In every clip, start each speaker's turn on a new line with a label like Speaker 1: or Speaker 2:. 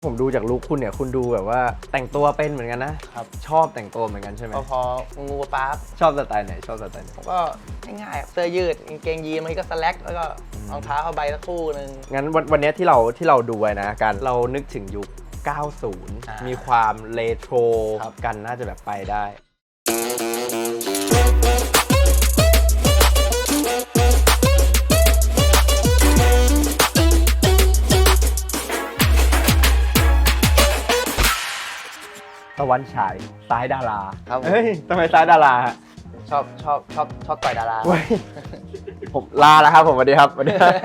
Speaker 1: ผมดูจากลุคคุณเนี่ยคุณดูแบบว่าแต่งตัวเป็นเหมือนกันนะครับชอบแต่งตัวเหมือนกันใช่ไหม
Speaker 2: พองูป๊าบ
Speaker 1: ชอบสไตล์ไหนชอบสไตล์ไหน
Speaker 2: ผมก็ง่ายๆเสื้อยืดกางเกงยีนมันก็สแล็กแล้วก็รองเท้าผ้าใบสักคู่นึง
Speaker 1: งั้นวันนี้ที่เราดูไว้นะการเรานึกถึงยุค 90 มีความเรโทรกันน่าจะแบบไปได้ตะวันฉายซ้ายดารา
Speaker 2: ครับ
Speaker 1: เฮ้ยทำไมซ้ายดาราฮะ
Speaker 2: ชอบต่อยดารา
Speaker 1: ผมลาแล้วครับผมสวัสดีครับสวัสดีครับ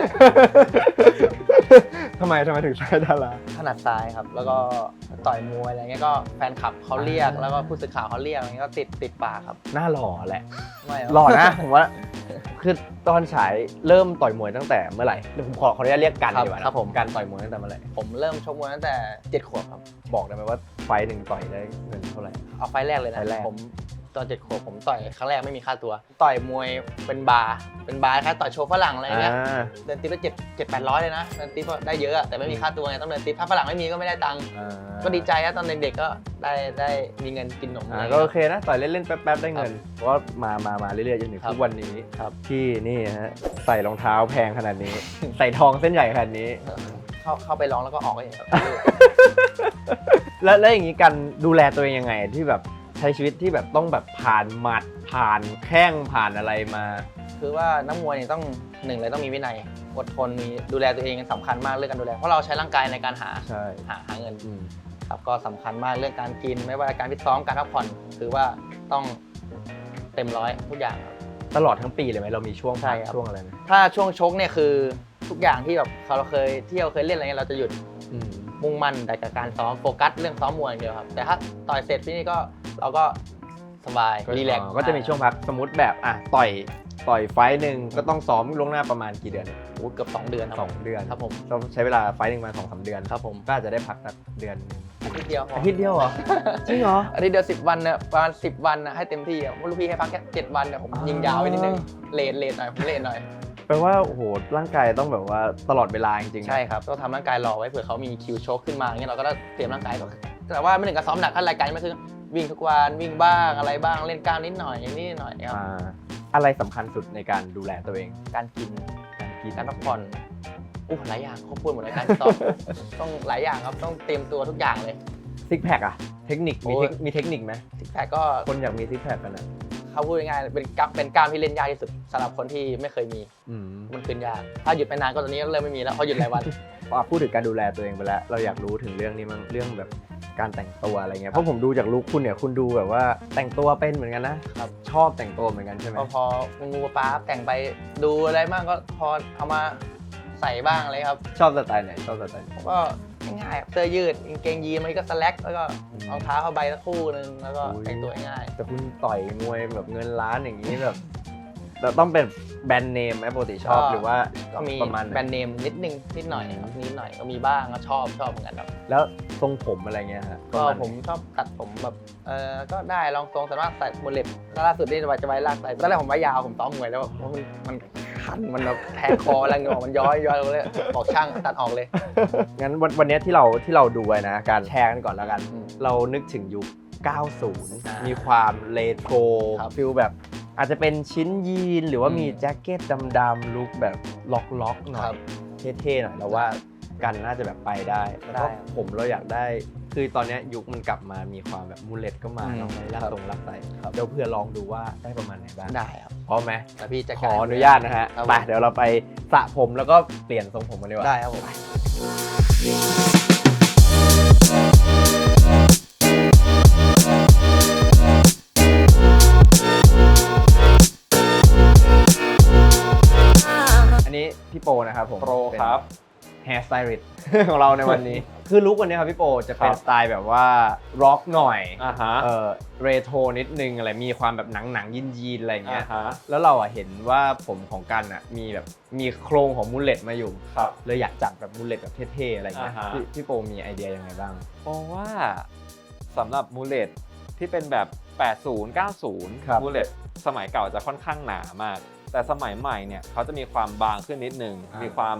Speaker 1: ทำไมถึงซ้ายดารา
Speaker 2: ถนัดซ้ายครับแล้วก็ต่อยมวยอะไรเงี้ยก็แฟนคลับเขาเรียกแล้วก็ผู้สื่อข่าวเขาเรียกอะไรเงี้ยก็ติดปากครับ
Speaker 1: หน้าหล่อแหละ
Speaker 2: ไม่
Speaker 1: หล่อนะผมว่าคือตอนฉายเริ่มต่อยมวยตั้งแต่เมื่อไหร่เดี๋ยวผมขออนุญาตเรียกกันดีกว่าครับผมการต่อยมวยตั้งแต่เมื่อไหร่
Speaker 2: ผมเริ่มชกมวยตั้งแต่7 ขวบครับ
Speaker 1: บอกได้ไหมว่าไฟหนึ่งต่อยได้เงินเท่าไหร่
Speaker 2: เอาไฟแรกเลยนะ
Speaker 1: ไฟแรก
Speaker 2: ผมตอน7 ขวบผมต่อยครั้งแรกไม่มีค่าตัวต่อยมวยเป็นบาร์คล้ายต่อยโชว์ฝรั่งอะไรเงี้ยเดินติ๊บละ700-800เลยนะเดินติ๊บได้เยอะแต่ไม่มีค่าตัวไงต้องเดินติ๊บถ้าฝรั่งไม่มีก็ไม่ได้ตังค์ก็ดีใจนะตอนเด็กๆก็ได้มีเงินกินขนม
Speaker 1: ก็โอเคนะต่อยเล่นๆแป๊บๆได้เงินเพราะว่ามาเรื่อยๆจนถึงทุกวันนี้ที่นี่ฮะใส่รองเท้าแพงขนาดนี้ใส่ทองเส้นใหญ่ขนาดนี้
Speaker 2: เข้าไปร้องแล้วก็ออกไปครับ
Speaker 1: แล้วอย่างนี้การดูแลตัวเองยังไงที่แบบใช้ชีวิตที่แบบต้องแบบผ่านหมัดผ่านแข้งผ่านอะไรมา
Speaker 2: คือว่านักมวยเนี่ยต้อง1เลยต้องมีวินัยอดทนมีดูแลตัวเองสำคัญมากเรื่องการดูแลเพราะเราใช้ร่างกายในการหาเงินครับก็สำคัญมากเรื่องการกินไม่ว่าการฟิตซ้อมการพักผ่อนคือว่าต้องเต็มร้อยทุกอย่าง
Speaker 1: ตลอดทั้งปีเลยไหมเรามีช่วงพักช่วงอะไรไหม
Speaker 2: ถ้าช่วงชกเนี่ยคือทุกอย่างที่แบบเราเคยเที่ยวเคยเล่นอะไรเงี้ยเราจะหยุดมุ่งมั่นแต่กับการซ้อมโฟกัสเรื่องซ้อมมวยอย่างเดียวครับแต่ถ้าต่อยเสร็จพี่นี่ก็เราก็สบายรีแลกซ์
Speaker 1: ก็จะมีช่วงพักสมมติแบบต่อยไฟหนึ่งก็ต้องซ้อมล่วงหน้าประมาณกี่เดือน
Speaker 2: โอ้เกือบ2 เดือน
Speaker 1: 2 เดือน
Speaker 2: ครับผม
Speaker 1: ต้องใช้เวลาไฟหนึ่งมา2-3 เดือน
Speaker 2: ครับผม
Speaker 1: ก็อาจจะได้พักสักเดือน
Speaker 2: อาทิตย์เดียว
Speaker 1: เหรอจริงเหรอ
Speaker 2: อาทิตย์เดียว10 วันเนี่ยประมาณ10 วันนะให้เต็มที่อ่ะลูกพี่ให้พักแค่7 วันเนี่ยผมยิงยาวไปนิดนึงเลทหน่อยผมเลทหน่อย
Speaker 1: แปลว่าโอ้โหร่างกายต้องแบบว่าตลอดเวลาจริงๆ
Speaker 2: ใช่ครับต้องทำร่างกายรอไว้เผื่อเขามีคิวโชคขึ้นมาอย่างเงี้ยเราก็ต้องเตรียมร่างกายก่อนแต่ว่าไม่ถึงกับซ้อมหนักขั้นรายการไม่คือวิ่งทุกวันวิ่งบ้างอะไรบ้างเล่นกล้ามนิดหน่อยครับ
Speaker 1: อะไรสำคัญสุดในการดูแลตัวเอง
Speaker 2: การกินการพักผ่อนหลายอย่างครบถ้วนหมดเลยการซ้อมต้องหลายอย่างครับต้องเตรียมตัวทุกอย่างเลย
Speaker 1: ซิกแพคอะเทคนิคมีเทคนิคไหม
Speaker 2: ซิกแพคก็
Speaker 1: คนอยากมีซิกแพคกันนะ
Speaker 2: เขาพูดง่ายๆเป็นกล้ามที่เล่นยากที่สุดสำหรับคนที่ไม่เคยมีมันขึ้นยากถ้าหยุดไปนานก็ตอนนี้เริ่มไม่มีแล้วเพราะหยุดหลายวัน
Speaker 1: พูดถึงการดูแลตัวเองไปแล้วเราอยากรู้ถึงเรื่องนี้มั้งเรื่องแบบการแต่งตัวอะไรเงี้ยเพราะผมดูจากลุคคุณเนี่ยคุณดูแบบว่าแต่งตัวเป็นเหมือนกันนะครับชอบแต่งตัวเหมือนกันใช่ไหม
Speaker 2: พองูป๊าบแต่งไปดูอะไรบ้างก็พอเอามาใส่บ้างอะไรครับ
Speaker 1: ชอบสไตล์ไหนชอบสไตล์
Speaker 2: ผมก็ง่ายๆเสื้อยืดกางเกงยีนมันก็สแล็กแล้วก็รองเท้าผ้าใบสักคู่นึงแล้วก็แต่งตัวง่าย
Speaker 1: แต่คุณต่อยมวยแบบเงินล้านอย่างนี้แบบต้องเป็นแบรนด์เนมไหมปกติชอบหรือว่า
Speaker 2: ก็มี
Speaker 1: ประมาณ
Speaker 2: แบรนด์เนมนิดหน่อยครับนิดหน่อยก็มีบ้างก็ชอบเหมือนกันครับ
Speaker 1: แล้วทรงผมอะไรเงี้ยฮะ
Speaker 2: ก็ผมชอบตัดผมแบบก็ได้ลองทรงสามารถใส่โมเลตล่าสุดนี่จะไว้ลากใส่ตอนแรกผมไว้ยาวผมซ้อมมวยแล้วมันคันมันแบบแทงคอแล้วเงามันย้อยเลยบอกช่างตัดออกเลย
Speaker 1: งั้นวันนี้ที่เราดูไว้นะการแชร์กันก่อนแล้วกันเรานึกถึงยุค 90 มีความเรโทรฟิลแบบอาจจะเป็นชิ้นยีนหรือว่ามีแจ็คเก็ตดำๆลุคแบบล็อกๆหน่อยเท่ๆหน่อยแล้วว่ากันน่าจะแบบไปได้แล้วผมเราอยากได้คือตอนนี้ยุคมันกลับมามีความแบบมูเลตก็มาต้องไปลากใส่เดี๋ยวเพื่อลองดูว่าได้ประมาณไหนบ้าง
Speaker 2: ได้ครับ
Speaker 1: พร้อมไหม
Speaker 2: แต่พี่จะ
Speaker 1: ขออนุญาตนะฮะไปเดี๋ยวเราไปสระผมแล้วก็เปลี่ยนทรงผมกันดีกว่า
Speaker 2: ได้ครับผม
Speaker 1: พี่โปนะครับผม
Speaker 3: โปรครับ
Speaker 1: แฮร์สไตลิสต์ของเราในวันนี้คือลุควันนี้ครับพี่โปจะเป็นสไตล์แบบว่าร็อกหน่อยเรโทรนิดนึงอะไรมีความแบบหนังยีนอะไรเงี้ยแล้วเราเห็นว่าผมของกันมีโครงของมูลเลตมาอยู่เลยอยากจัดแบบมูลเลตแบบเท่ๆอะไรเงี้ยพี่โปมีไอเดียยังไงบ้าง
Speaker 3: เพราะว่าสำหรับมูลเลตที่เป็นแบบ80 90มูลเลตสมัยเก่าจะค่อนข้างหนามากแต่สมัยใหม่เนี่ยเขาจะมีความบางขึ้นนิดนึงมีความ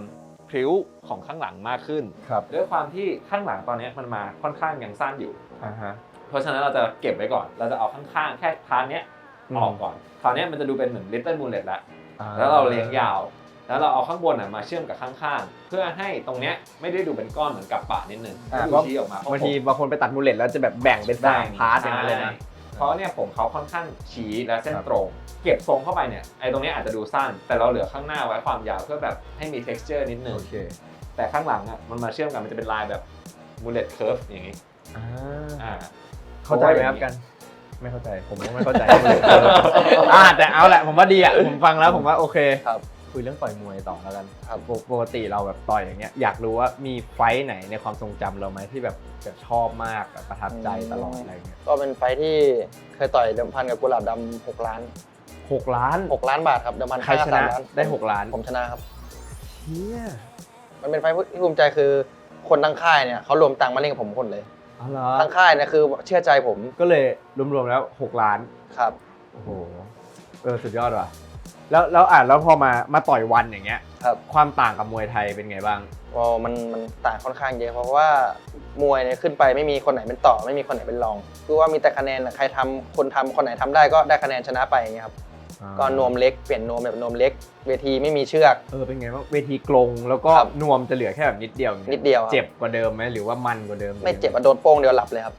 Speaker 3: พริ้วของข้างหลังมากขึ้น
Speaker 1: ครับ
Speaker 3: ด้วยความที่ข้างหลังตอนนี้มันมาค่อนข้างยังสั้นอยู่
Speaker 1: ฮะ
Speaker 3: เพราะฉะนั้นเราจะเก็บไว้ก่อนเราจะเอาข้างๆแค่พาร์ทเนี้ยออกก่อนคราวนี้มันจะดูเป็นเหมือน Little Mullet แล้วเราเลี้ยงยาวแล้วเราเอาข้างบนมาเชื่อมกับข้างๆเพื่อให้ตรงเนี้ยไม่ได้ดูเป็นก้อนเหมือนกับปะนิดนึงดูชี้ออกมา
Speaker 1: บางทีบางคนไปตัดมูลเลตแล้วจะแบบแบ่งเป็น3 พาร์ทอย่างนั้นเลยนะ
Speaker 3: เพราะเนี่ยผมเขาค่อนข้างชี้และเส้นตรง เก็บทรงเข้าไปเนี่ยไอ้ตรงนี้อาจจะดูสั้นแต่เราเหลือข้างหน้าไว้ความยาวเพื่อแบบให้มี texture นิดนึง
Speaker 1: โอเค
Speaker 3: แต่ข้างหลังมันมาเชื่อมกันมันจะเป็นลายแบบ mullet curve อย่างนี้
Speaker 1: เข้าใจไหมครับกันไม่เข้าใจผมก็ไม่เข้าใจ แต่เอาแหละผมว่าดีผมฟังแล้วผมว่าโอเค
Speaker 2: ครับ
Speaker 1: คุยเรื่องต่อยมวยต่อแล้วกัน
Speaker 2: ครับ
Speaker 1: ปกติเราแบบต่อยอย่างเงี้ยอยากรู้ว่ามีไฟท์ไหนในความทรงจำเราไหมที่แบบชอบมากแบบประทับใจตลอดอะไรเงี้ย
Speaker 2: ก็เป็นไฟท์ที่เคยต่อยเดิมพันกับกุหลาบดำ6 ล้าน
Speaker 1: 6 ล้าน
Speaker 2: 6 ล้านบาทครับเดิมพัน
Speaker 1: ใครชนะ
Speaker 2: 3 ล้าน
Speaker 1: ได้6 ล้าน
Speaker 2: ผมชนะครับ
Speaker 1: เฮีย
Speaker 2: มันเป็นไฟท์ที่ภูมิใจคือคนทั้งค่ายเนี่ยเขารวมตังค์มาเล่นกับผมคนเลย
Speaker 1: อ๋อเหรอ
Speaker 2: ทั้งค่ายเนี่ยคือเชื่อใจผม
Speaker 1: ก็เลยรวมๆแล้ว6 ล้าน
Speaker 2: ครับ
Speaker 1: โอ้โหสุดยอดว่ะแล้วพอมาต่อยวันอย่างเงี้ย
Speaker 2: ครับ
Speaker 1: ความต่างกับมวยไทยเป็นไงบ้าง
Speaker 2: มันต่างค่อนข้างเยอะเพราะว่ามวยเนี่ยขึ้นไปไม่มีคนไหนเป็นต่อไม่มีคนไหนเป็นรองคือว่ามีแต่คะแนนใครทำคนทำคนไหนทำได้ก็ได้คะแนนชนะไปอย่างเงี้ยครับก็นวมเล็กเปลี่ยนนวมแบบนวมเล็กเวทีไม่มีเชือก
Speaker 1: เป็นไงบ้างเวทีกลงแล้วก็
Speaker 2: ครับ
Speaker 1: นวมจะเหลือแค่แบบนิดเดียวอย่างงี้
Speaker 2: นิดเดียวครับ
Speaker 1: เจ็บกว่าเดิมไหมหรือว่ามันกว่าเดิม
Speaker 2: ไม่เจ็บโดนโป้งเดียวหลับเลยครับ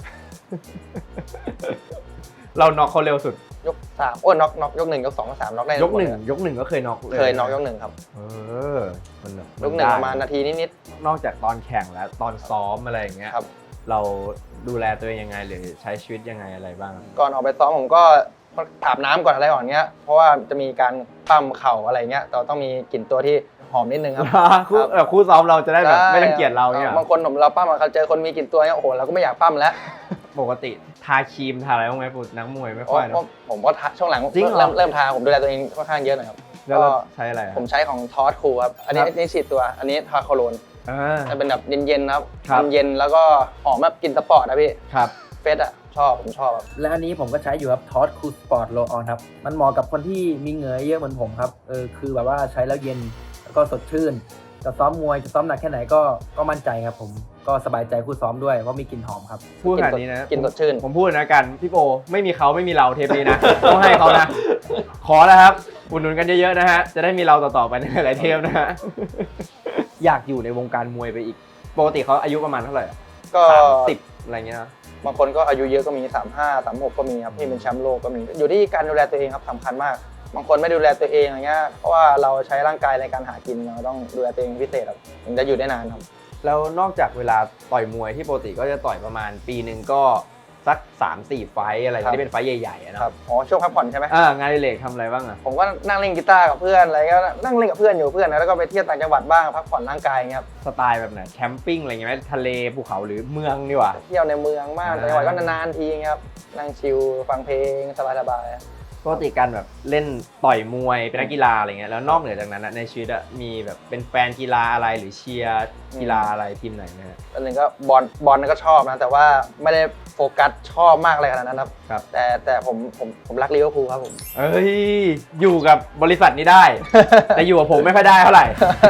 Speaker 1: เราน็อกเขาเร็วสุด
Speaker 2: ยก3น็อกยก1ยก2ยก3น็อกได้
Speaker 1: ยกหนึ่งก็เคยน็อกเลย
Speaker 2: เคยน็อกยก1ครับ
Speaker 1: มันแบบ
Speaker 2: ยก1ประมาณนาทีนิด
Speaker 1: นอกจากตอนแข่งแล้วตอนซ้อมอะไรอย่างเงี้ย
Speaker 2: ๆครับ
Speaker 1: เราดูแลตัวเองยังไงหรือใช้ชีวิตยังไงอะไรบ้าง
Speaker 2: ก่อนออกไปซ้อมผมก็อาบน้ำก่อนอะไรก่อนเงี้ยเพราะว่าจะมีการปั้มเข่าอะไรเงี้ยเราต้องมีกลิ่นตัวที่หอมนิดนึงครับ
Speaker 1: คู่ซ้อมเราจะได้แบบไม่รังเกียจเราเนี่ย
Speaker 2: บางคนเราปั้มเขาเจอคนมีกลิ่นตัวเนี่ยโอ้โหเราก็ไม่อยากปั้มแล้ว
Speaker 1: ปกติทาครีมทาอะไรบ้างไหมปุ๊นักมวยไม่ค่อยเนอะ
Speaker 2: ผมก็ช่วงหลัง
Speaker 1: จริงเหรอ
Speaker 2: เริ่มทาผมดูแลตัวเองค่อนข้างเยอะหน่อยครับ
Speaker 1: แล้วเราใช้อะไร
Speaker 2: ผมใช้ของทอสคูครับอันนี้ฉีดตัวอันนี้ทาโคโลนจะเป็นแบบเย็นๆนะครับเย็นๆแล้วก็หอมแบบกลิ่นสปอร์ตนะพี่
Speaker 1: ครับ
Speaker 2: เฟสผมชอบครับ
Speaker 4: และอันนี้ผมก็ใช้อยู่ครับทอสคูสปอร์ตโลออนครับมันเหมาะกับคนที่มีเหงื่อเยอะเหมือนผมครับคือแบบว่าใช้แล้วเย็นแล้วก็สดชื่นจะซ้อมมวยจะซ้อมหนักแค่ไหนก็มั่นใจครับผมก็สบายใจคู่ซ้อมด้วยเพราะมีกลิ่นหอมครับ
Speaker 1: พูดขนาดนี้นะ
Speaker 2: กลิ่นสดชื่น
Speaker 1: ผมพูดนะกันพี่โปไม่มีเขาไม่มีเราเทปนี้นะ ต้องให้เขานะ ขอแล้วครับอุดหนุนกันเยอะๆนะฮะจะได้มีเราต่อๆไปในหลายเทปนะฮะ อยากอยู่ในวงการมวยไปอีกปกติเขาอายุประมาณเท่าไหร่
Speaker 2: ก็
Speaker 1: 30อะไรเงี้ยนะ
Speaker 2: บางคนก็อายุเยอะก็มี35 36ก็มีครับที่เป็นแชมป์โลกก็มีอยู่ที่การดูแลตัวเองครับสำคัญมากบางคนไม่ดูแลตัวเองอย่างเงี้ยเพราะว่าเราใช้ร่างกายในการหากินเราต้องดูแลตัวเองพิเศษครับถึงจะอยู่ได้นานครับ
Speaker 1: แล้วนอกจากเวลาต่อยมวยที่ปกติก็จะต่อยประมาณปีหนึ่งก็สัก 3-4 ไฟท์อะไร
Speaker 2: ครับ
Speaker 1: ที่เป็นไฟท์ใหญ่ๆอะนะ
Speaker 2: ครับอ๋อช่วงพักผ่อนใช่ไหม
Speaker 1: งานอดิเรกทำอะไรบ้างอะ
Speaker 2: ผมก็นั่งเล่นกีตาร์กับเพื่อนอะไรก็นั่งเล่นกับเพื่อนอยู่เพื่อนแล้วก็ไปเที่ยวต่างจังหวัดบ้างพักผ่อนร่างกายอย่างเงี้ยครับ
Speaker 1: สไตล์แบบไหนแคมปิ้งอะไรเงี้ยไหมทะเลภูเขาหรือเมืองดีกว่า
Speaker 2: เที่ยวในเมืองมากต่างจังหวัดก็นานๆทีเงี้ยครับนั่งชิลฟังเพลงสบายๆ
Speaker 1: ปกติการแบบเล่นต่อยมวยเป็นนักกีฬาอะไรเงี้ยแล้วนอกเหนือจากนั้นอะในชีวิตอะมีแบบเป็นแฟนกีฬาอะไรหรือเชียร์กีฬาอะไรทีมไหนไหมฮะ
Speaker 2: อันหนึ่งก็บอลก็ชอบนะแต่ว่าไม่ได้โฟกัสชอบมากอะไรขนาดนั้นครับ
Speaker 1: ครับ
Speaker 2: แต่ผมรักลิเวอร์พูลครับผม
Speaker 1: เอ้ยอยู่กับบริษัทนี้ได้ แต่อยู่กับผมไม่ค่อยได้เท่าไหร่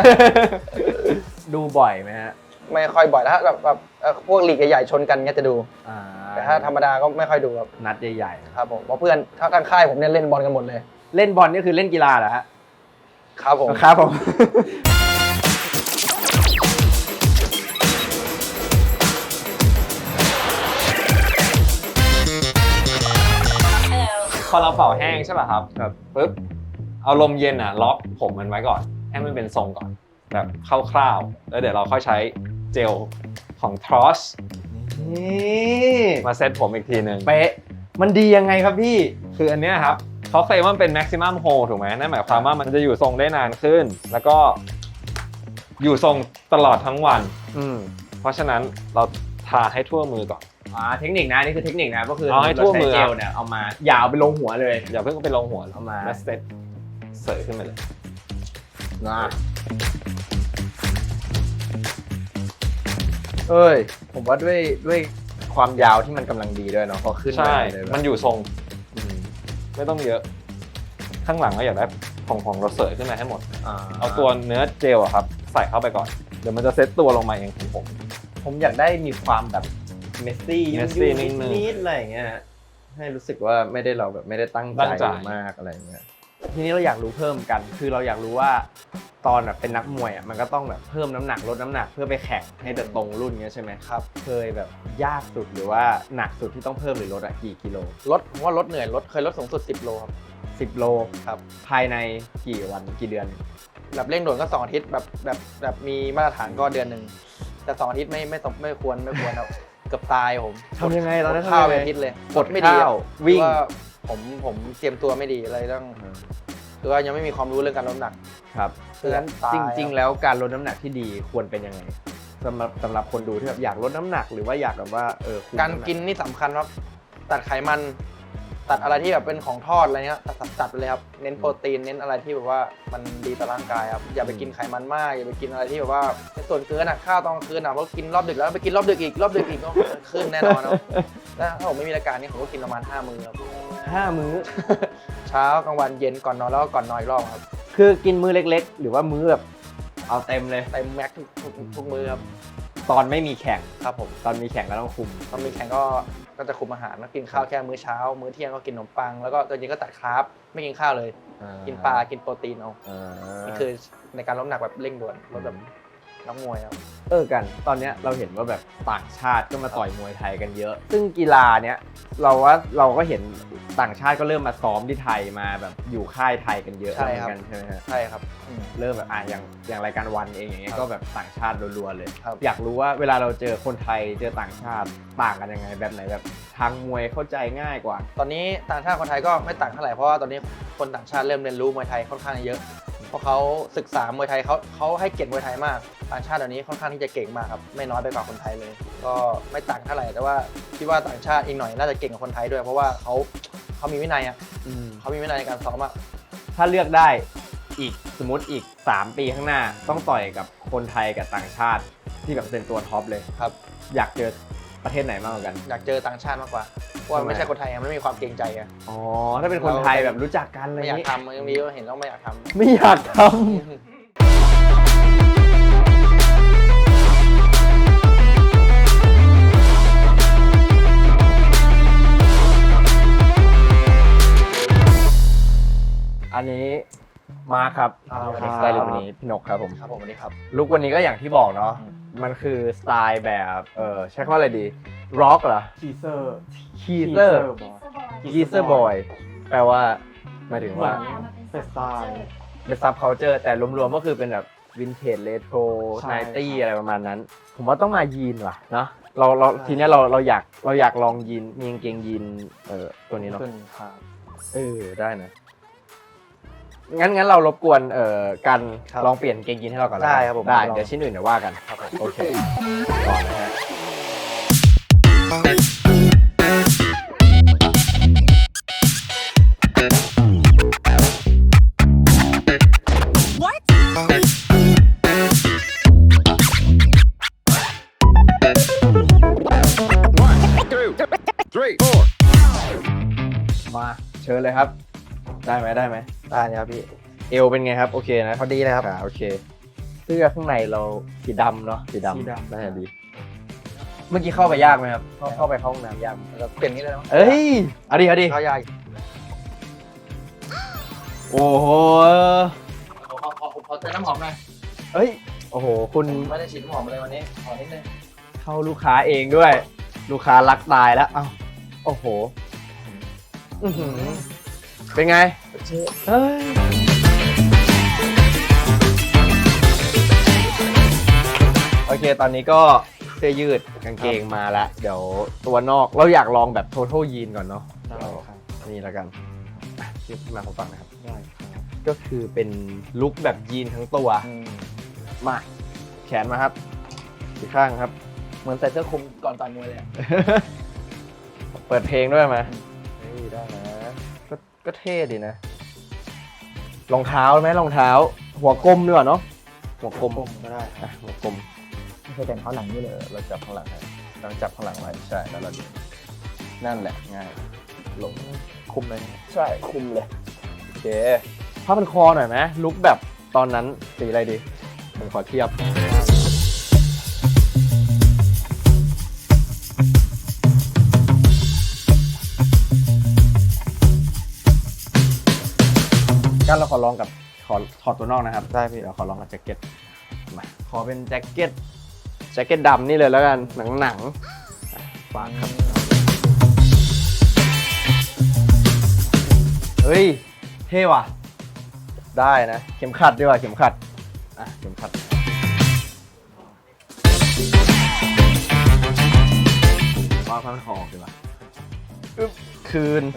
Speaker 1: ดูบ่อยไหมฮะ
Speaker 2: ไม่ค่อยบ่อยแล้วแบบพวกลีกใหญ่ๆชนกันเงี้ยจะดู แต่ถ้าธรรมดาก็ไม่ค่อยดูครับ
Speaker 1: นัดใหญ่ๆนะครับ
Speaker 2: ผมเพราะเพื่อนทางค่ายผมเนี่ยเล่นบอลกันหมดเลย
Speaker 1: เล่นบอลนี่คือเล่นกีฬาเหรอฮะ
Speaker 2: ครับผม
Speaker 1: ครับผม
Speaker 3: พอเราเป่าแห้งใช่ป่ะครับ
Speaker 1: ครับ
Speaker 3: ปุ๊บเอาลมเย็นล็อกผมมันไว้ก่อนให้มันเป็นทรงก่อนแบบคร่าวๆแล้วเดี๋ยวเราค่อยใช้เจลของ Tross
Speaker 1: นี่
Speaker 3: มาเซตผมอีกทีหนึ่ง
Speaker 1: เป๊ะมันดียังไงครับพี่
Speaker 3: คืออันเนี้ยครับเขาเคลมว่ามันเป็น maximum hold ถูกไหมนั่นหมายความว่ามันจะอยู่ทรงได้นานขึ้น แล้วก็อยู่ทรงตลอดทั้งวัน เพราะฉะนั้นเราทาให้ทั่วมือก่อน
Speaker 1: เทคนิคนะนี่คือเทคนิคนะก็คือ
Speaker 3: เอาให้ทั่วมือ
Speaker 1: เราใช้เจลเนี่ยเอามาอย่าเอาไปลงหัวเลย
Speaker 3: อย่าเพิ่งไปลงหัว
Speaker 1: เอามา
Speaker 3: แล้วเซตเสยขึ้นไปเลย
Speaker 1: เอ้ยผมว่าด้วยความยาวที่มันกำลังดีด้วยเนาะพอขึ้น
Speaker 3: ใช่
Speaker 1: เลยแบบ
Speaker 3: มันอยู่ทรงไม่ต้องเยอะ ข้างหลังก็อยากได้ของเราเสยขึ้นมาให้หมดเอาตัวเนื้อเจลอะครับใส่เข้าไปก่อนเดี๋ยวมันจะเซตตัวลงมาเองของผม
Speaker 1: ผมอยากได้มีความแบบเมสซี่
Speaker 3: messy
Speaker 1: นิ
Speaker 3: นิดนึง
Speaker 1: ดๆอะไรอย่างเงี้ยให้รู้สึกว่าไม่ได้เราแบบไม่ได้ตั้ง
Speaker 3: ตั้ง
Speaker 1: ใจ
Speaker 3: ใจ
Speaker 1: มากอะไรอย่างเงี้ยทีนี้เราอยากรู้เพิ่มกัน คือเราอยากรู้ว่าตอนแบบเป็นนักมวยอ่ะมันก็ต้องแบบเพิ่มน้ำหนักลดน้ำหนักเพื่อไปแข่งให้แต่ตรงรุ่นเงี้ยใช่ไหมครับเคยแบบยากสุดหรือว่าหนักสุดที่ต้องเพิ่มหรือลดอะกี่กิโล
Speaker 2: ผมว่าลดเหนื่อยเคยลดสูงสุด10 โลครับ
Speaker 1: 10 โล
Speaker 2: ครับ
Speaker 1: ภายในกี่วันกี่เดือน
Speaker 2: แบบเร่งด่วนก็2 อาทิตย์แบบมีมาตรฐานก็เดือนหนึ่งแต่2 อาทิตย์ไม่ควรครับเกือบตายผม
Speaker 1: ทำยังไงตอนนั้น
Speaker 2: ข้าว
Speaker 1: ทำยังไง
Speaker 2: เป็นอาทิตย์เลย
Speaker 1: กด
Speaker 2: ไม่ดี
Speaker 1: ข้าว
Speaker 2: วิ่
Speaker 1: วิ่
Speaker 2: ง
Speaker 1: ง
Speaker 2: ผมเตรียมตัวไม่ดีเลยต้องคือว่ายังไม่มีความรู้เรื่องการลดน้ำหนัก
Speaker 1: ครับเพราะฉะนั้น
Speaker 2: ตาย
Speaker 1: จริง ๆ แล้วการลดน้ำหนักที่ดีควรเป็นยังไงสำหรับคนดูที่แบบอยากลดน้ำหนักหรือว่าอยากแบบว่าคุม
Speaker 2: การ
Speaker 1: ำห
Speaker 2: กินนี่สำคัญครับตัดไขมัน ตัดอะไรที่แบบเป็นของทอดอะไรเงี้ยตัดไปเลยครับเน้นโปรตีนเน้นอะไรที่แบบว่ามันดีต่อร่างกายครับอย่าไปกินไขมันมากอย่าไปกินอะไรที่แบบว่าเป็นส่วนเกินอ่ะข้าวตอนกลางคืนอ่ะเพราะกินรอบดึกแล้วไปกินรอบดึกอีกก็ขึ้นแน่นอนครับแล้วถ้าผมไม่มีรายการนี่ผมก็กินประมาณ5 มื้อครับ
Speaker 1: 5 มื้อ
Speaker 2: เช้ากลางวันเย็นก่อนนอนแล้วก็ก่อนนอนอีกรอบครับ
Speaker 1: คือกินมื้อเล็กๆ หรือว่ามื้อแบบเอาเต็มเลย
Speaker 2: เต็มแม็กทุกมื้อครับ
Speaker 1: ตอนไม่มีแข่ง
Speaker 2: ครับผม
Speaker 1: ตอนมีแข่งก็ต้องคุม
Speaker 2: ตอนมีแข่งก็จะคุมอาหารแล้วกินข้าวแค่มื้อเช้า มื้อเที่ยงก็กินขนมปังแล้วก็ตอนเย็นก็ตัดคาร์บไม่กินข้าวเลย กินปลากินโปรตีนเอา นี่คือในการลดน้ำหนักแบบเร่งด่วนลดแบบนักมวยครับ
Speaker 1: กันตอนเนี้ยเราเห็นว่าแบบต่างชาติก็มาต่อยมวยไทยกันเยอะ ซึ่งกีฬาเนี้ยเราก็เห็นต่างชาติก็เริ่มมาซ้อมที่ไทยมาแบบอยู่ค่ายไทยกันเยอะ
Speaker 2: ใช่
Speaker 1: เหมื
Speaker 2: ครั
Speaker 1: อบ นกันใช่ไหมฮะ
Speaker 2: ใช่ครับ
Speaker 1: เริ่มแบบอย่างรายการวันเองอย่างเงี้ย
Speaker 2: ครับ
Speaker 1: ก็แบบต่างชาติรัวๆเลย
Speaker 2: ครับ
Speaker 1: อยากรู้ว่าเวลาเราเจอคนไทยเจอต่างชาติต่างกันยังไงแบบไหนแบบทางมวยเข้าใจง่ายกว่า
Speaker 2: ตอนนี้ต่างชาติคนไทยก็ไม่ต่างเท่าไหร่เพราะว่าตอนนี้คนต่างชาติเริ่มเรียนรู้มวยไทยค่อนข้างเยอะเพราะเขาศึกษามวยไทยเขาให้เกียรติมวยไทยมากต่างชาติเดี๋ยวนี้ค่อนข้างที่จะเก่งมากครับไม่น้อยไปกว่าคนไทยเลย ก็ไม่ต่างเท่าไหร่แต่ว่าคิดว่าต่างชาติอีกหน่อยน่าจะเก่งกว่าคนไทยด้วย เพราะว่าเขามีวินัยอ่ะเขามีวินัยในการซ้อมอ่ะ
Speaker 1: ถ้าเลือกได้อีกสมมติอีก 3 ปีข้างหน้าต้องต่อยกับคนไทยกับต่างชาติที่แบบเป็นตัวท็อปเลย
Speaker 2: ครับ
Speaker 1: อยากเจอประเทศไหนมากกว่ากัน
Speaker 2: อยากเจอต่างชาติมากกว่าเพราะว่าไม่ใช่คนไทยอะไม่มีความเกรงใจอะ
Speaker 1: อ๋อถ้าเป็นคนไทยแบบรู้จักกันอะไร
Speaker 2: ไม่อยาก
Speaker 1: นี้
Speaker 2: ทำยังมีก็เห็นแล้วไม่อยากทำ
Speaker 1: ไม่อยากทำอันนี้มาร์คครับ
Speaker 2: สวัสดีครับ
Speaker 1: สไตล์ลุควันนี้พี่นกครับผม
Speaker 2: ครับผมสวัสดีครับ
Speaker 1: ลุควันนี้ก็อย่างที่บอกเนาะมันคือสไตล์แบบใช้คำว่าอะไรดีร็อกเหรอ
Speaker 5: ทีเซอร์
Speaker 1: คีเซอร์คีเซอร์บอยแปลว่าหมายถึงว่า
Speaker 5: เป็นสไตล์
Speaker 1: เป็นซับเคาเจอร์แต่รวมๆก็คือเป็นแบบวินเทจเรโทร
Speaker 5: ใช่
Speaker 1: ไนตี้
Speaker 5: ครับ
Speaker 1: อะไรประมาณนั้น ผมว่าต้องมายีนว่ะเนาะเราทีเนี้ยเราอยากลองยีนมีกางเกงยีนตัวนี้เนาะ
Speaker 5: ขึ้นครับ
Speaker 1: ได้นะงั้นเรารบกวนกัน
Speaker 2: ครับ
Speaker 1: ลองเปลี่ยนกางเกงยีนให้เราก่อนแล้วกัน
Speaker 2: ได้ครับผม
Speaker 1: ได้
Speaker 2: ลอง
Speaker 1: เดี๋ยวชิ้นอื่นเดี๋ยวว่ากันโอเคก่อนนะฮะ มาเชิญเลยครับ ได้ไหม
Speaker 2: ได้เลยครับพี่
Speaker 1: เอวเป็นไงครับ โอเคนะ
Speaker 2: พอดีเลยครับ
Speaker 1: โอเค เสื้อข้างในเราสีดำเนาะสีดำน่าจะดี เมื่อกี้เข้าไปยากไหมครับเข้าไปเข้าห้องน้ำยากไหม
Speaker 2: เราเปลี่ยนนี้เลยนะ
Speaker 1: เอ้ยเอาดิ
Speaker 2: เขายาก
Speaker 1: โอ้โห
Speaker 2: ขอเติมน้ำหอมหน่อย
Speaker 1: เอ้ยโอ้โหคุณ
Speaker 2: ไม่ได้ฉีดน้ำหอมเลยวันนี้ขอนิดนึง
Speaker 1: เข้าลูกค้าเองด้วย ลูกค้ารักตายแล้วอ้าวโอ้โหอื้อหือเป็นไงเฮ้ยโอเคตอนนี้ก็เสื้อยืดกางเกงมาแล้วเดี๋ยวตัวนอกเราอยากลองแบบ total ยีนก่อนเนาะ
Speaker 5: ได้ครับ
Speaker 1: นี่แล้วกันยืดมาผมฟังนะครับ
Speaker 5: ได้ครับ
Speaker 1: ก็คือเป็นลุคแบบยีนทั้งตัวมาแขนมาครับอีกข้างครับ
Speaker 2: เหมือนใส่เสื้อคลุมก่อนต่อยมวยเลย
Speaker 1: เปิดเพลงด้วยไหมเฮ้ยได้นะก็เท่ดีนะรองเท้าไหมรองเท้า หัวกลมดีกว่าเนาะหัวกลม
Speaker 5: ก็ได้
Speaker 1: อ่ะหัวกลม
Speaker 5: ไม่ใช่แต่งเขาหลังนี่เลย
Speaker 1: เราจับข้างหลังให้เราจับข้างหลังไว้ใช่แล้วเราดึงนั่นแหละง่ายลง
Speaker 5: คุมเลย
Speaker 1: ใช่คุมเลยโอเคผ้าพันคอหน่อยไหมลุคแบบตอนนั้นสีอะไรดีผมขอเทียบกันเราขอลองกับขอถอดตัวนอกนะครับได้พี่เราขอลองกับแจ็คเก็ตมาขอเป็นแจ็คเก็ตดำนี่เลยแล้วกันหนังฝากครับเฮ้ยเท่ว่ะได้นะเข็มขัดดีกว่าเข็มขัดเข็มขัดว่าพันคอดีกว่าคืน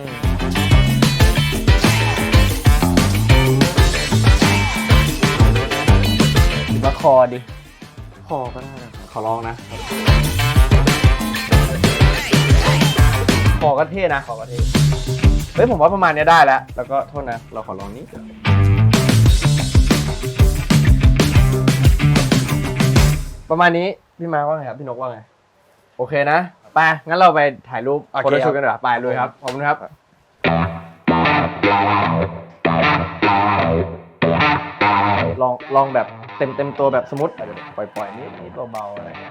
Speaker 1: มาคอดิคอก็ได้นะขอลองนะคอก็เท่นะคอก็เท่เฮ้ยผมว่าประมาณนี้ได้แล้วก็โทษนะเราขอลองนี้ประมาณนี้พี่มาว่าไงครับพี่นกว่าไงโอเคนะไปงั้นเราไปถ่ายรูปโฟโต้ชูตกันดีกว่าไปเลยครับขอบคุณครับลองแบบเต็มตัวแบบสมมติปล่อยนิดเบาๆอะไรเงี้ย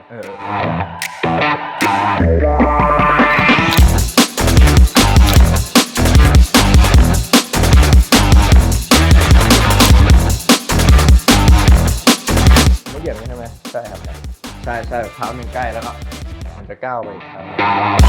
Speaker 1: ไม่เหยียบใช่ไหมใช่ครับใช่เท้าหนึ่งใกล้แล้วก็มันจะก้าวไปอีกครั้ง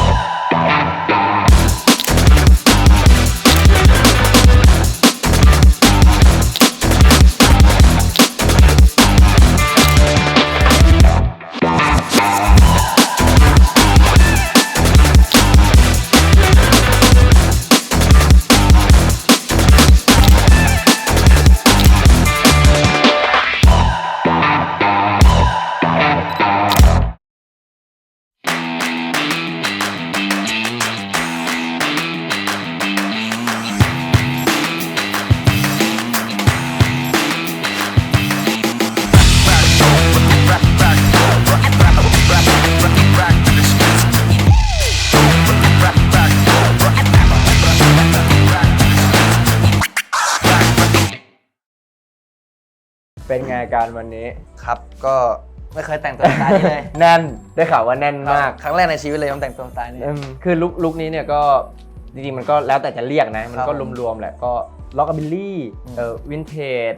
Speaker 1: เป็นไงการวันนี้
Speaker 2: ครับก็ไม่เคยแต่งตัวสไตล์นี้เลย
Speaker 1: แน่นได้ข่าวว่าแน่นมาก
Speaker 2: ครั้งแรกในชีวิตเลยผมแต่งตัวสไตล์นี้
Speaker 1: คือลุคนี้เนี่ยก็จริงๆมันก็แล้วแต่จะเรียกนะมันก็รวมๆแหละก็ล็อกบิลลี่วินเทจ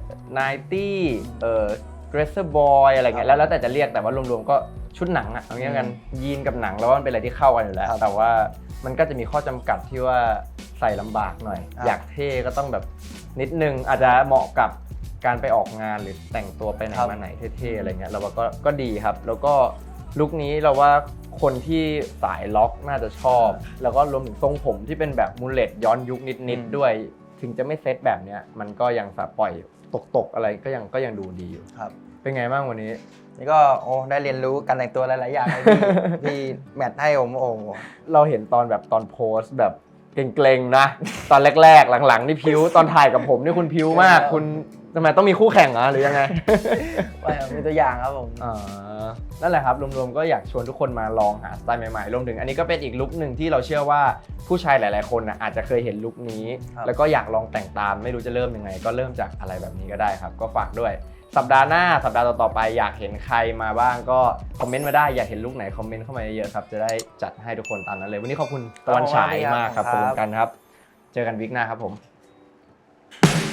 Speaker 1: 90เกรสเซอร์บอยอะไรเงี้ยแล้วแต่จะเรียกแต่ว่ารวมๆก็ชุดหนังอะเอางี้กันยีนกับหนังแล้วว่ามันเป็นอะไรที่เข้ากันอยู่แล้วแต่ว่ามันก็จะมีข้อจำกัดที่ว่าใส่ลำบากหน่อยอยากเท่ก็ต้องแบบนิดนึงอาจจะเหมาะกับการไปออกงานหรือแต่งตัวไปไหนมาไหนเท่ๆอะไรเงี้ยเราว่าก็ดีครับแล้วก็ลุคนี้เราว่าคนที่สายล็อกน่าจะชอบแล้วก็รวมถึงทรงผมที่เป็นแบบมูลเลตย้อนยุคนิดๆด้วยถึงจะไม่เซตแบบเนี้ยมันก็ยังสาปล่อยตกอะไรก็ยังดูดีอยู่
Speaker 2: ครับ
Speaker 1: เป็นไงบ้างวันนี้
Speaker 2: นี่ก็ได้เรียนรู้การแต่งตัวหลายๆอย่างที่แมทให้ผม
Speaker 1: เราเห็นตอนโพสต์แบบเกรงๆนะตอนแรกๆหลังๆนี่พิ้วตอนถ่ายกับผมนี่คุณพิ้วมากคุณทำไมต้องมีคู่แข่งหรือยังไง
Speaker 2: ไม่มีตัวอย่างครับผม
Speaker 1: นั่นแหละครับรวมๆก็อยากชวนทุกคนมาลองหาสไตล์ใหม่ๆรวมถึงอันนี้ก็เป็นอีกลุคหนึ่งที่เราเชื่อว่าผู้ชายหลายๆคนอาจจะเคยเห็นลุคนี้แล้วก็อยากลองแต่งตามไม่รู้จะเริ่มยังไงก็เริ่มจากอะไรแบบนี้ก็ได้ครับก็ฝากด้วยสัปดาห์หน้าสัปดาห์ต่อๆไปอยากเห็นใครมาบ้างก็คอมเมนต์มาได้อยากเห็นลุคไหนคอมเมนต์เข้ามาเยอะๆครับจะได้จัดให้ทุกคนตามนั้นเลยวันนี้ขอบคุณตะวันฉายมากครับขอบคุณกันครับเจอกันวิกหน้าครับผม